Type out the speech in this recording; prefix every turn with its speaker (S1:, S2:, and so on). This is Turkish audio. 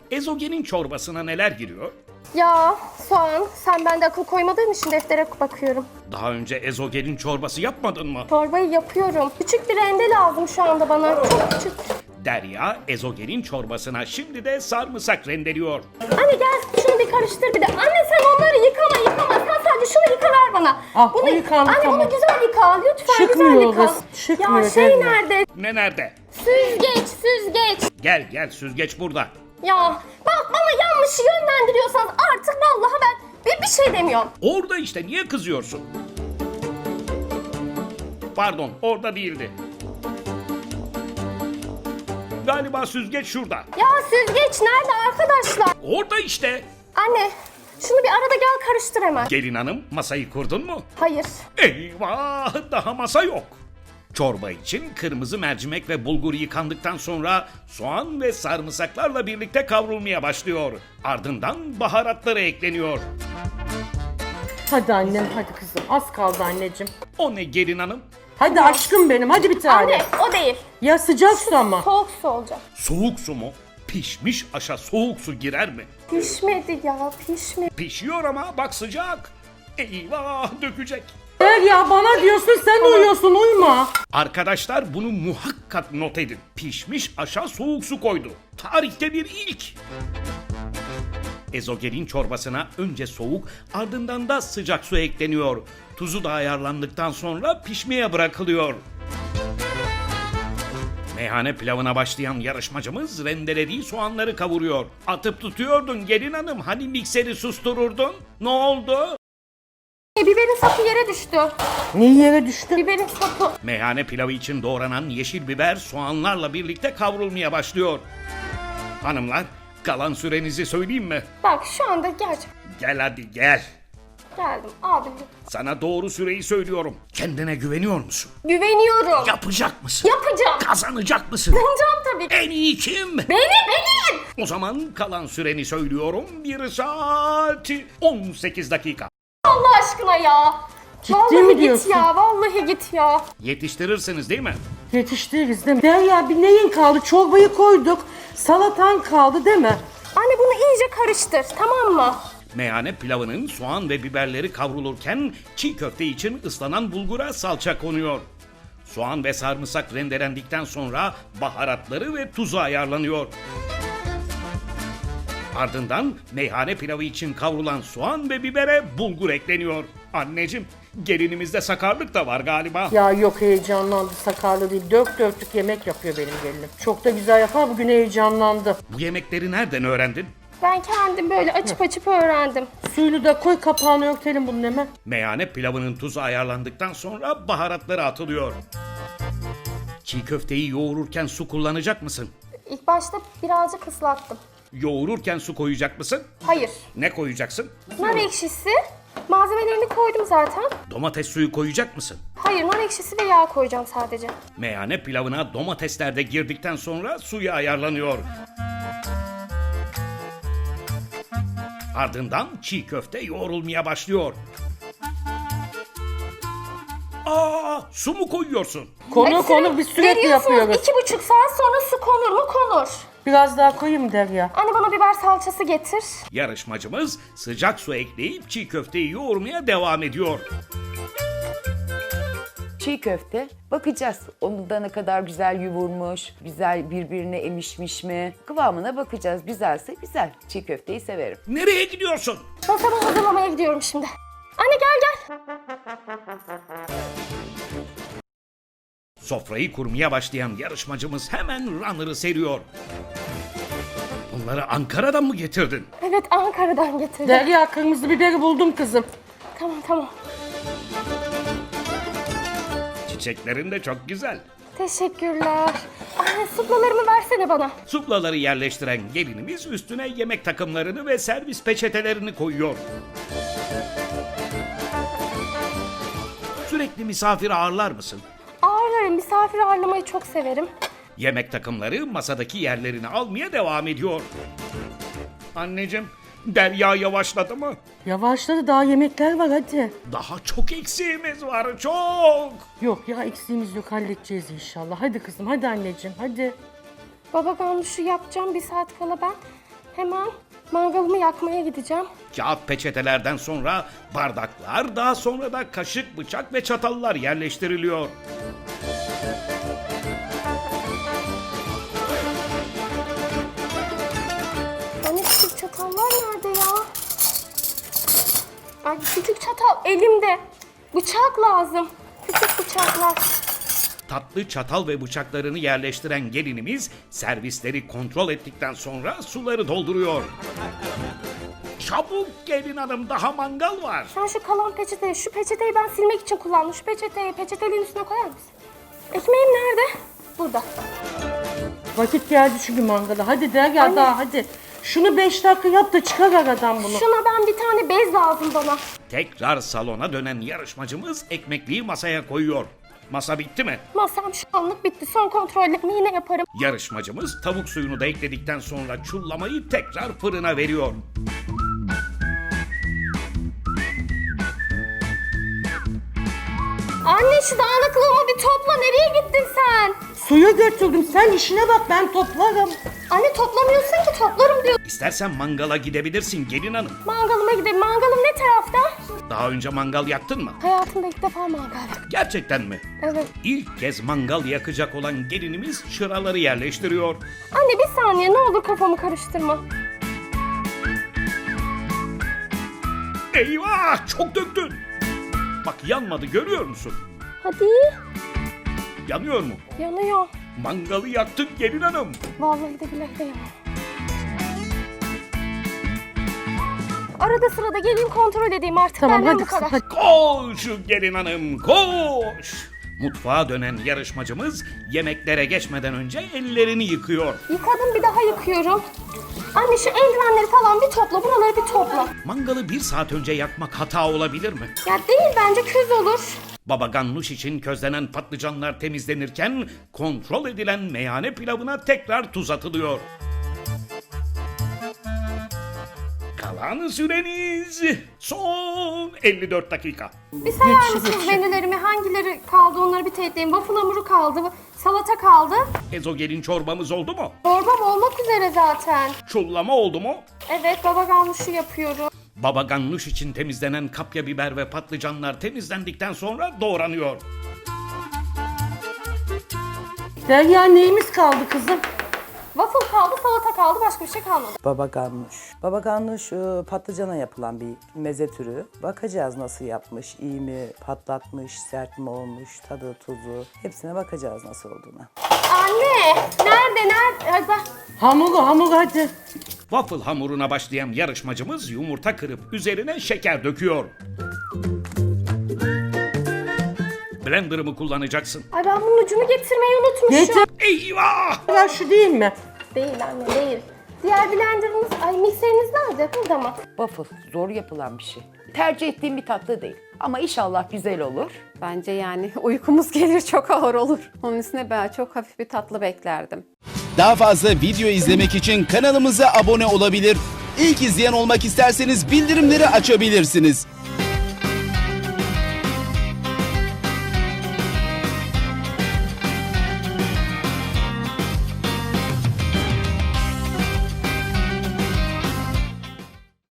S1: Ezogelin çorbasına neler giriyor?
S2: Ya soğan, sen bende akıl koymadığın için deftere bakıyorum.
S1: Daha önce ezogelin çorbası yapmadın mı?
S2: Çorbayı yapıyorum. Küçük bir rende lazım şu anda bana. Çok küçük.
S1: Derya ezogelin çorbasına şimdi de sarımsak rendeliyor.
S2: Anne gel şunu bir karıştır bir de. Anne sen onları yıkama. Sen sadece şunu yıka ver bana.
S3: Ah, o yıkandı,
S2: Anne
S3: tamam.
S2: bunu güzel yıka. Lütfen
S3: Çıkmıyor
S2: güzel yıka.
S3: kız, çıkmıyor,
S2: Ya şey
S3: Derya.
S2: nerede?
S1: Ne nerede?
S2: Süzgeç.
S1: Gel süzgeç burada.
S2: Ya bak bana yanlış yönlendiriyorsanız artık vallahi ben bir şey demiyorum.
S1: Orada işte, niye kızıyorsun? Pardon, orada değildi. Galiba süzgeç şurada.
S2: Ya süzgeç nerede arkadaşlar?
S1: Orada işte.
S2: Anne şunu bir arada gel karıştır hemen.
S1: Gelin hanım, masayı kurdun mu?
S2: Hayır.
S1: Eyvah, daha masa yok. Çorba için kırmızı mercimek ve bulgur yıkandıktan sonra soğan ve sarımsaklarla birlikte kavrulmaya başlıyor. Ardından baharatları ekleniyor.
S3: Hadi annem, hadi kızım. Az kaldı anneciğim.
S1: O ne gelin hanım?
S3: Hadi aşkım benim, hadi bir tane.
S2: Anne o değil.
S3: Ya sıcak su ama.
S2: Soğuk su olacak.
S1: Soğuk su mu? Pişmiş aşa soğuk su girer mi?
S2: Pişmedi ya pişmedi.
S1: Pişiyor ama bak sıcak. Eyvah, dökecek.
S3: Ya bana diyorsun, sen uyuyorsun, uyuma.
S1: Arkadaşlar bunu muhakkak not edin. Pişmiş aşa soğuk su koydu. Tarihte bir ilk. Ezogelin çorbasına önce soğuk, ardından da sıcak su ekleniyor. Tuzu da ayarlandıktan sonra pişmeye bırakılıyor. Meyhane pilavına başlayan yarışmacımız rendelediği soğanları kavuruyor. Atıp tutuyordun gelin hanım, hani mikseri sustururdun? Ne oldu?
S2: Biberin sapı yere düştü.
S3: Niye yere düştü?
S2: Biberin sapı.
S1: Meyhane pilavı için doğranan yeşil biber soğanlarla birlikte kavrulmaya başlıyor. Hanımlar, kalan sürenizi söyleyeyim mi?
S2: Bak şu anda
S1: Gel hadi gel.
S2: geldim abi.
S1: Sana doğru süreyi söylüyorum. Kendine güveniyor musun?
S2: Güveniyorum.
S1: Yapacak mısın?
S2: Yapacağım.
S1: Kazanacak mısın?
S2: Kazanacağım tabii.
S1: En iyi kim?
S2: Benim.
S1: O zaman kalan süreni söylüyorum. 1 saat 18 dakika.
S2: Allah aşkına ya.
S3: Ciddi
S2: Vallahi
S3: mi
S2: git
S3: diyorsun?
S2: ya vallahi git ya.
S1: Yetiştirirsiniz değil mi?
S3: Yetiştiririz değil mi? Derya, bir neyin kaldı? Çorbayı koyduk. Salatan kaldı değil mi?
S2: Anne bunu iyice karıştır tamam mı?
S1: Meyhane pilavının soğan ve biberleri kavrulurken çiğ köfte için ıslanan bulgura salça konuyor. Soğan ve sarımsak rendelendikten sonra baharatları ve tuzu ayarlanıyor. Ardından meyhane pilavı için kavrulan soğan ve bibere bulgur ekleniyor. Anneciğim, gelinimizde sakarlık da var galiba.
S3: Ya yok, heyecanlandı, sakarlı değil. Dört dörtlük yemek yapıyor benim gelinim. Çok da güzel yapar, bugün heyecanlandı.
S1: Bu yemekleri nereden öğrendin?
S2: Ben kendim böyle açıp öğrendim.
S3: Suyunu da koy, kapağını örtelim bunun hemen.
S1: Meyhane pilavının tuzu ayarlandıktan sonra baharatları atılıyor. Çiğ köfteyi yoğururken su kullanacak mısın?
S2: İlk başta birazcık ıslattım.
S1: Yoğururken su koyacak mısın?
S2: Hayır.
S1: Ne koyacaksın?
S2: Nar ekşisi. Malzemelerini koydum zaten.
S1: Domates suyu koyacak mısın?
S2: Hayır nar ekşisi ve yağ koyacağım sadece.
S1: Meyhane pilavına domatesler de girdikten sonra suyu ayarlanıyor. Ardından çiğ köfte yoğrulmaya başlıyor. Aa, su mu koyuyorsun?
S3: Konu biz sürekli
S2: Veriyorsunuz,
S3: yapıyoruz.
S2: 2,5 saat sonra su konur mu? Konur.
S3: Biraz daha koyayım Derya.
S2: Anne bana biber salçası getir.
S1: Yarışmacımız sıcak su ekleyip çiğ köfteyi yoğurmaya devam ediyor.
S4: Çiğ köfte bakacağız. Onu da ne kadar güzel yoğurmuş, güzel birbirine emişmiş mi? Kıvamına bakacağız. Güzelse güzel. Çiğ köfteyi severim.
S1: Nereye gidiyorsun?
S2: Masamı hazırlamaya gidiyorum şimdi. Anne gel.
S1: Sofrayı kurmaya başlayan yarışmacımız hemen runner'ı seriyor. Bunları Ankara'dan mı getirdin?
S2: Evet Ankara'dan getirdim.
S3: Derya, kırmızı biberi buldum kızım.
S2: Tamam.
S1: Çiçeklerin de çok güzel.
S2: Teşekkürler. Anne suplalarımı versene bana.
S1: Suplaları yerleştiren gelinimiz üstüne yemek takımlarını ve servis peçetelerini koyuyor. Sürekli misafir ağırlar mısın?
S2: Ağırlarım. Misafir ağırlamayı çok severim.
S1: Yemek takımları masadaki yerlerini almaya devam ediyor. Anneciğim, Derya yavaşladı mı?
S3: Yavaşladı, daha yemekler var, hadi.
S1: Daha çok eksiğimiz var, çok.
S3: Yok ya, eksiğimiz yok, halledeceğiz inşallah. Hadi kızım, hadi anneciğim, hadi.
S2: Baba ben şu yapacağım 1 saat kala ben. Hemen mangalımı yakmaya gideceğim.
S1: Kağıt peçetelerden sonra bardaklar, daha sonra da kaşık, bıçak ve çatallar yerleştiriliyor.
S2: Anne küçük çatallar nerede ya? Ay küçük çatal elimde. Bıçak lazım. Küçük bıçaklar.
S1: Tatlı çatal ve bıçaklarını yerleştiren gelinimiz servisleri kontrol ettikten sonra suları dolduruyor. Çabuk gelin hanım, daha mangal var.
S2: Sen şu kalan peçeteyi, şu peçeteyi ben silmek için kullandım. Şu peçeteyi peçeteliğin üstüne koyar mısın? Ekmeğim nerede? Burada.
S3: Vakit geldi çünkü mangala. Hadi de gel
S2: Anne.
S3: daha hadi. Şunu 5 dakika yap da çıkar aradan bunu.
S2: Şuna ben bir tane bez lazım bana.
S1: Tekrar salona dönen yarışmacımız ekmekliği masaya koyuyor. Masa bitti mi?
S2: Masam şu anlık bitti. Son kontrollerimi yine yaparım.
S1: Yarışmacımız tavuk suyunu da ekledikten sonra çullamayı tekrar fırına veriyor.
S2: Anne şu dağınıklığımı bir topla. Nereye gittin sen?
S3: Suyu götürdüm. Sen işine bak, ben toplarım.
S2: Anne toplamıyorsun ki, toplarım diyor.
S1: İstersen mangala gidebilirsin gelin hanım.
S2: Mangalıma gidelim. Mangalım ne tarafta?
S1: Daha önce mangal yaktın mı?
S2: Hayatımda ilk defa mangal yaktım.
S1: Gerçekten mi?
S2: Evet.
S1: İlk kez mangal yakacak olan gelinimiz çıraları yerleştiriyor.
S2: Anne bir saniye ne olur kafamı karıştırma.
S1: Eyvah, çok döktün. Bak yanmadı, görüyor musun?
S2: Hadi.
S1: Yanıyor mu?
S2: Yanıyor.
S1: Mangalı yaktın gelin hanım.
S2: Vallahi de billahi de yanıyor. Arada sırada geleyim kontrol edeyim artık.
S3: Tamam
S2: Benden
S3: hadi
S2: bu
S3: kızım
S2: kadar.
S3: hadi.
S1: Koş gelin hanım, koş. Mutfağa dönen yarışmacımız yemeklere geçmeden önce ellerini yıkıyor.
S2: Yıkadım bir daha yıkıyorum. Anne şu eldivenleri falan bir topla. Buraları bir topla.
S1: Mangalı 1 saat önce yakmak hata olabilir mi?
S2: Ya değil bence küz olur.
S1: Baba ganoush için közlenen patlıcanlar temizlenirken kontrol edilen meyhane pilavına tekrar tuz atılıyor. Kalan süreniz son 54 dakika.
S2: Bir sayar mısınız menülerimi? Hangileri kaldı onları bir teyit edeyim. Waffle hamuru kaldı. Salata kaldı.
S1: Ezogelin çorbamız oldu mu?
S2: Çorbam olmak üzere zaten.
S1: Çullama oldu mu?
S2: Evet baba ganuşu yapıyorum.
S1: Baba ganoush için temizlenen kapya biber ve patlıcanlar temizlendikten sonra doğranıyor.
S3: Derya neyimiz kaldı kızım?
S2: Waffle kaldı, salata kaldı. Başka bir şey kalmadı.
S5: Baba ganoush. Baba ganoush patlıcana yapılan bir meze türü. Bakacağız nasıl yapmış, iyi mi, patlatmış, sert mi olmuş, tadı, tuzu. Hepsine bakacağız nasıl olduğuna.
S2: Anne! Nerede? Ay bak.
S3: Hamuru hadi.
S1: Waffle hamuruna başlayan yarışmacımız yumurta kırıp üzerine şeker döküyor. Blender'ımı kullanacaksın.
S2: Ay ben bunun ucunu getirmeyi unutmuşum.
S3: Getir.
S1: Eyvah!
S3: Ya şu değil mi?
S2: Değil anne değil. Diğer blenderınız, ay mikseriniz nerede? Burada mı?
S4: Waffle zor yapılan bir şey. Tercih ettiğim bir tatlı değil. Ama inşallah güzel olur.
S6: Bence yani uykumuz gelir çok ağır olur. Onun üstüne ben çok hafif bir tatlı beklerdim.
S7: Daha fazla video izlemek için kanalımıza abone olabilir. İlk izleyen olmak isterseniz bildirimleri açabilirsiniz.